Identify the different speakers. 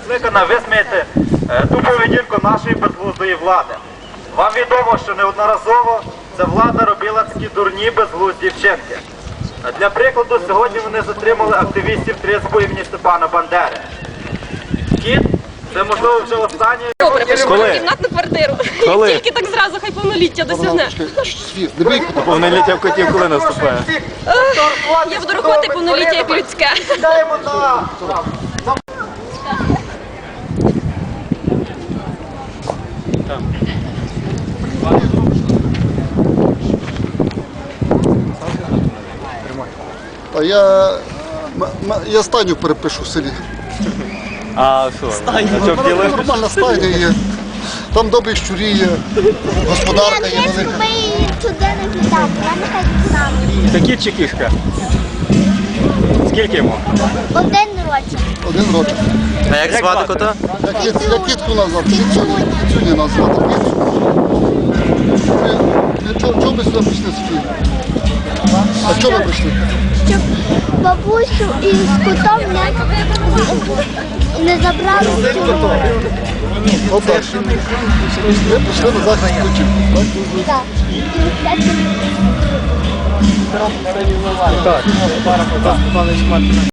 Speaker 1: покликана висміяти ту поведінку нашої безглуздої влади. Вам відомо, що неодноразово ця влада робила такі дурні безглузді вчинки. Для прикладу, сьогодні вони затримали активістів ТРЦ імені Степана Бандери. Кіт, це можливо вже останнє.
Speaker 2: Добре, пишемо на кімнатну квартиру. Тільки так зразу, хай повноліття досягне.
Speaker 3: Повноліття в котів коли наступає?
Speaker 2: Я буду рахувати повноліття як людське.
Speaker 1: Сідаємо на...
Speaker 4: А я стайню перепишу в селі.
Speaker 3: А що? А що вділи?
Speaker 4: Нормальна стайня є. Там добрі щурі є, господарка є велика.
Speaker 5: Ми її туди не віддав, вона нехай з нами.
Speaker 3: Це кіт чи кішка? Скільки йому?
Speaker 5: 1 рочок.
Speaker 4: 1 рочок.
Speaker 3: А як звати кота?
Speaker 4: Я кітку назвав, Кіцюні назвати. Чого ми сюди прийшли, Софія? А чого ми прийшли?
Speaker 5: Щоб бабусю із котом не забрали в тюрму.
Speaker 4: Отак. Ми прийшли на захист котів.
Speaker 5: Так.